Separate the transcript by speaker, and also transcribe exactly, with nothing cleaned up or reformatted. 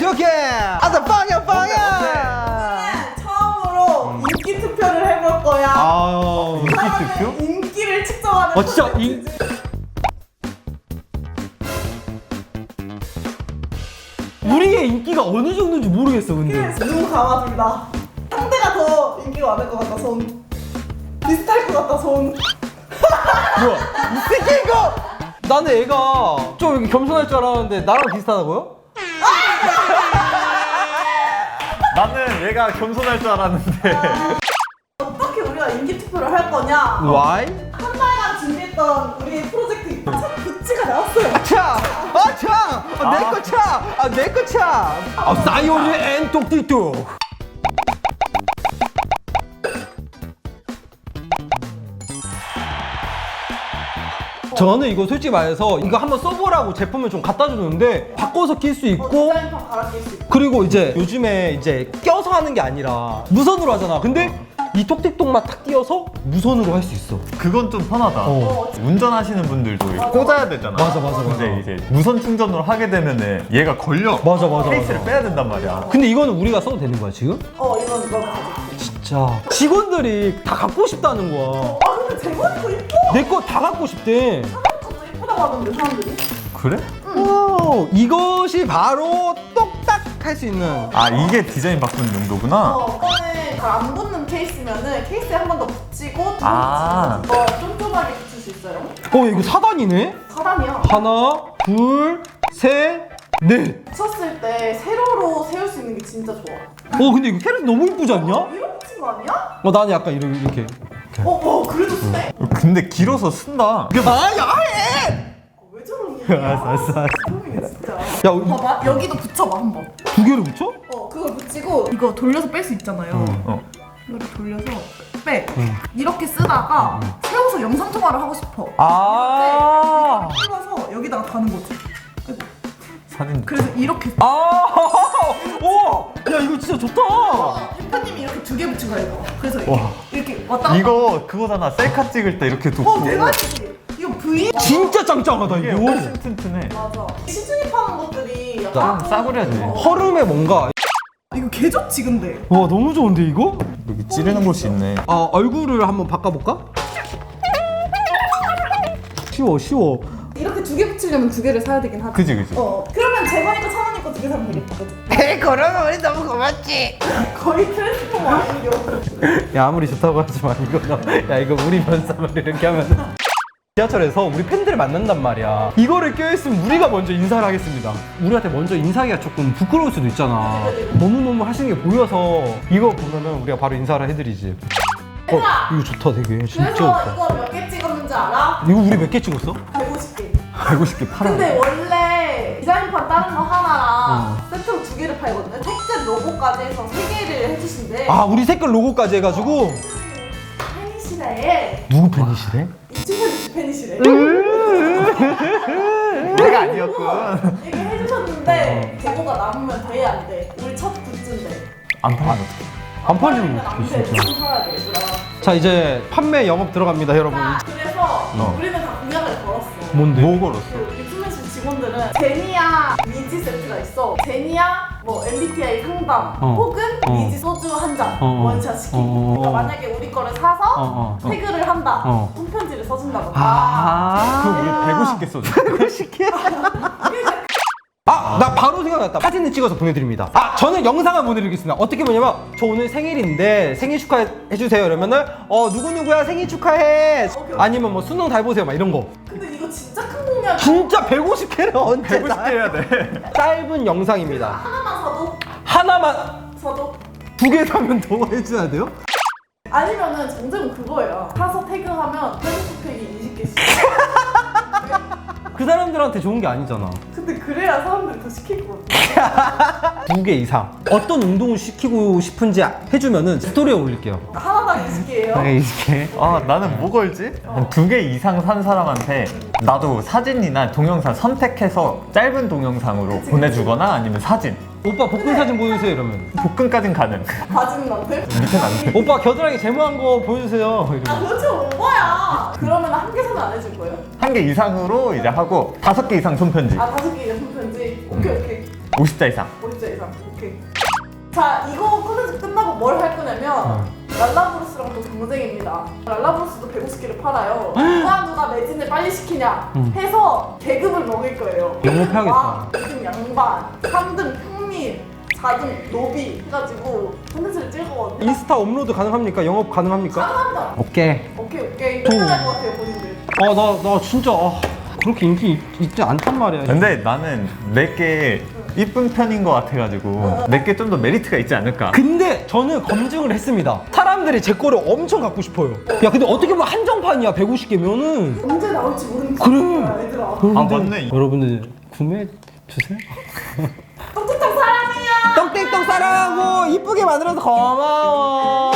Speaker 1: 오케이. 아싸 빵야 빵야.
Speaker 2: 처음으로 인기 투표를 해볼 거야.
Speaker 1: 아
Speaker 3: 인기 투표?
Speaker 2: 인기를 측정하는.
Speaker 1: 어 진짜 인. 우리의 인기가 어느 정도인지 모르겠어 근데.
Speaker 2: 눈 감아준다. 상대가 더 인기가 많을 것 같다 손. 비슷할 것 같다 손.
Speaker 1: 뭐야 이 새끼 이거. 나는 애가 좀 이렇게 겸손할 줄 알았는데 나랑 비슷하다고요?
Speaker 3: 나는 얘가 겸손할 줄 알았는데.
Speaker 2: 어떻게 우리가 인기 투표를 할 거냐?
Speaker 1: Why?
Speaker 2: 한 달간 준비했던 우리 프로젝트 첫 굿즈가 나왔어요.
Speaker 1: 차! 아 차! 아, 내거 차! 아 내거 차! 아 사이오르 앤 똑띠똑. 저는 이거 솔직히 말해서 이거 한번 써보라고 제품을 좀 갖다 주는데 바꿔서 낄 수
Speaker 2: 어,
Speaker 1: 있고
Speaker 2: 디자인판 갈아 낄 수 있고.
Speaker 1: 그리고 이제 요즘에 이제 껴서 하는 게 아니라 무선으로 하잖아. 근데 이 톡틱톡만 탁 띄어서 무선으로 할 수 있어.
Speaker 3: 그건 좀 편하다.
Speaker 1: 어.
Speaker 3: 운전하시는 분들도 꽂아야 되잖아.
Speaker 1: 맞아, 맞아, 맞아.
Speaker 3: 근데 이제 무선 충전으로 하게 되면은 얘가 걸려.
Speaker 1: 맞아, 맞아,
Speaker 3: 케이스를
Speaker 1: 맞아.
Speaker 3: 빼야 된단 말이야.
Speaker 1: 근데 이거는 우리가 써도 되는 거야 지금?
Speaker 2: 어 이건 이거 가져.
Speaker 1: 진짜 직원들이 다 갖고 싶다는 거야.
Speaker 2: 아 근데 제목이 이뻐.
Speaker 1: 내 거 다 갖고 싶대.
Speaker 2: 사람도 이쁘다고 하던데 사람들이.
Speaker 3: 그래?
Speaker 1: 오, 이것이 바로 똑딱 할 수 있는.
Speaker 3: 아 이게 디자인 바꾸는 용도구나.
Speaker 2: 어, 이거는 잘 안 붙는 케이스면은 케이스에 한 번 더 붙이고 또
Speaker 3: 아.
Speaker 2: 붙이고 더 쫀쫀하게 붙일 수 있어요.
Speaker 1: 어 이거 사 단이네?
Speaker 2: 사람이야.
Speaker 1: 하나, 둘, 셋, 넷.
Speaker 2: 붙였을 때 세로로 세울 수 있는 게 진짜 좋아.
Speaker 1: 어 근데 이거 캐럿 너무 이쁘지 않냐?
Speaker 2: 이런 붙인 거 아니야?
Speaker 1: 어 나는 약간 이렇게 이렇게.
Speaker 2: 어, 어 그래도 쓰네?
Speaker 3: 근데 길어서 쓴다.
Speaker 1: 아 야해!
Speaker 2: 왜 저런 게?
Speaker 1: 알았어, 알았어, 알았어.
Speaker 2: 소름이네 진짜.
Speaker 1: 야 우-
Speaker 2: 봐봐 여기도 붙여봐 한번.
Speaker 1: 두 개를 붙여?
Speaker 2: 어 그걸 붙이고 이거 돌려서 뺄 수 있잖아요.
Speaker 3: 어.
Speaker 2: 이거를 돌려서 빼. 이렇게 쓰다가 세워서 영상 통화를 하고 싶어.
Speaker 1: 아.
Speaker 2: 이렇게 풀어서 여기다가 다는 거지.
Speaker 3: 사진.
Speaker 2: 그래서 이렇게.
Speaker 1: 아. 오. 야 이거 진짜 좋다.
Speaker 2: 대표님이 이렇게 두 개 붙인 거야 이거. 그래서 이렇게,
Speaker 3: 와.
Speaker 2: 이렇게 왔다 갔다.
Speaker 3: 이거 그거잖아. 셀카 찍을 때 이렇게 두고.
Speaker 2: 어 대박이지. 이거 V.
Speaker 1: 진짜 짱짱하다
Speaker 3: 이게
Speaker 1: 이거.
Speaker 3: 훨씬 튼튼해.
Speaker 2: 맞아. 시중에 파는 것들이
Speaker 3: 좀
Speaker 2: 약간
Speaker 3: 싸구려지.
Speaker 2: 어.
Speaker 1: 허름에 뭔가.
Speaker 2: 이거 개 좋지 근데.
Speaker 1: 와 너무 좋은데 이거?
Speaker 3: 여기 찌르는 곳이 있네.
Speaker 1: 아 얼굴을 한번 바꿔볼까? 쉬워 쉬워.
Speaker 2: 이렇게 두 개 붙이려면 두 개를 사야 되긴 하지.
Speaker 3: 그지 그지.
Speaker 2: 어. 그러면 재건이 거, 천원이 거 두 개 사면 되겠다.
Speaker 1: 에이 그러면 우리 너무 고맙지.
Speaker 2: 거의 트랜스포머 아니요.
Speaker 1: 야 아무리 좋다고 하지만 이거 너, 야 이거 우리 면사만 이렇게 하면 지하철에서 우리 팬들을 만난단 말이야. 이거를 껴있으면 우리가 먼저 인사를 하겠습니다. 우리한테 먼저 인사하기가 조금 부끄러울 수도 있잖아. 너무너무 하시는 게 보여서 이거 보면은 우리가 바로 인사를 해드리지. 어 이거 좋다 되게 진짜
Speaker 2: 그래서
Speaker 1: 좋다.
Speaker 2: 이거 몇 개 찍었는지 알아?
Speaker 1: 이거 우리 몇 개 찍었어?
Speaker 2: 백오십 개.
Speaker 1: 백오십 개 팔아.
Speaker 2: 근데 원래 디자인판 다른 거 하나랑 세트로 두 개를 팔거든요. 택배 로고까지 해서 세 개를 해주신대.
Speaker 1: 아 우리 색깔 로고까지 해가지고.
Speaker 2: 팬이시래.
Speaker 1: 누구 팬이시래?
Speaker 2: 이 친구 팬이시래.
Speaker 3: 내가 아니었군.
Speaker 2: 이게 해주셨는데 재고가 남으면 돼 안 돼? 우리 첫 굿즈인데.
Speaker 3: 안 팔면 어떡해.
Speaker 1: 안 팔리면
Speaker 2: 팔리면 안
Speaker 1: 어떡해
Speaker 2: 돼.
Speaker 1: 진짜.
Speaker 2: 지금 사야 돼 얘들아.
Speaker 1: 자 이제 판매 영업 들어갑니다 여러분.
Speaker 2: 자, 그래서
Speaker 3: 어.
Speaker 2: 우리는 다 공약을 걸었어.
Speaker 1: 뭔데?
Speaker 3: 뭐 걸었어?
Speaker 2: 그 빅스맨스 직원들은 제니아 미지 세트가 있어. 제니아 뭐 엠비티아이 상담
Speaker 1: 어.
Speaker 2: 혹은
Speaker 1: 어.
Speaker 2: 미지 소주 한 잔
Speaker 1: 어, 어.
Speaker 2: 원샷 시키기.
Speaker 1: 어, 어, 어.
Speaker 2: 그러니까 만약에 우리 거를 사서
Speaker 1: 어, 어.
Speaker 2: 태그를 한다.
Speaker 1: 어.
Speaker 2: 손편지를 써준다던가.
Speaker 1: 아.
Speaker 3: 그럼 우리 백오십 개 써줘.
Speaker 1: 백오십 개. 아, 나 바로 생각났다. 사진을 찍어서 보내드립니다. 아, 저는 영상을 보내드리겠습니다. 어떻게 보냐면 저 오늘 생일인데 생일 축하해주세요 이러면은 어 누구누구야 생일 축하해. 아니면 뭐 수능 잘 보세요 막 이런 거.
Speaker 2: 근데 이거 진짜 큰 공약이야.
Speaker 1: 진짜 백오십 개를 언제
Speaker 3: 백오십
Speaker 1: 다
Speaker 3: 개 해야 돼.
Speaker 1: 짧은 영상입니다.
Speaker 2: 하나만 사도
Speaker 1: 하나만
Speaker 2: 사도
Speaker 1: 두 개 사면 더 해줘야 돼요?
Speaker 2: 아니면은 정답은 그거예요. 사서 태그하면 페이스북팩이 이십 개씩.
Speaker 1: 그 사람들한테 좋은 게 아니잖아.
Speaker 2: 근데 그래야 사람들이 더 시킬 것 같아.
Speaker 1: 두 개 이상. 어떤 운동을 시키고 싶은지 해주면은 스토리에 올릴게요.
Speaker 2: 하나당 이십 개예요.
Speaker 1: 네, 이십 개.
Speaker 3: 아 나는 뭐 걸지? 한 두 개 이상 산 사람한테 나도 사진이나 동영상 선택해서 짧은 동영상으로 보내주거나 아니면 사진.
Speaker 1: 오빠 복근 사진 보여주세요 이러면.
Speaker 3: 복근까진 가능.
Speaker 2: 바지는 남들?
Speaker 3: 밑에는 안 돼.
Speaker 1: 오빠 겨드랑이 제모한 거 보여주세요
Speaker 2: 아
Speaker 1: 이러면.
Speaker 2: 그렇죠 오버야. 그러면 한 개 사면 안 해줄 거예요?
Speaker 3: 한 개 이상으로 이제 하고 다섯 개 이상 손편지.
Speaker 2: 아 다섯 개 이상 편지. 오케이 오케이.
Speaker 3: 오십 자 이상.
Speaker 2: 오십 자 이상. 오케이. 자, 이거 콘텐츠 끝나고 뭘 할 거냐면
Speaker 1: 어.
Speaker 2: 랄라브루스랑 또 경쟁입니다. 랄라브루스도 백오십 개를 팔아요. 누가 누가 매진을 빨리 시키냐
Speaker 1: 음.
Speaker 2: 해서 계급을 먹일 거예요.
Speaker 1: 영업해야겠다.
Speaker 2: 왕, 이 등 양반, 삼 등 평민, 사 등 노비 해가지고 콘텐츠를 찍을 거거든요.
Speaker 1: 인스타 업로드 가능합니까? 영업 가능합니까?
Speaker 2: 가능합니다.
Speaker 1: 오케이.
Speaker 2: 오케이 오케이. 끝날 것 같아요 본인들.
Speaker 1: 아, 나, 나 진짜 아, 그렇게 인기 있, 있지 않단 말이야.
Speaker 3: 근데 나는 내게 이쁜 편인 것 같아가지고 내게 좀 더 메리트가 있지 않을까.
Speaker 1: 근데 저는 검증을 했습니다. 사람들이 제 거를 엄청 갖고 싶어요. 야, 근데 어떻게 보면 한정판이야. 백오십 개면은.
Speaker 2: 언제 나올지 모르는
Speaker 1: 그래.
Speaker 2: 거야 얘들아.
Speaker 3: 아, 맞네.
Speaker 1: 여러분들 구매해 주세요.
Speaker 2: 똑똑똑 사랑해요.
Speaker 1: 떡땡떡 사랑하고 이쁘게 만들어서 고마워.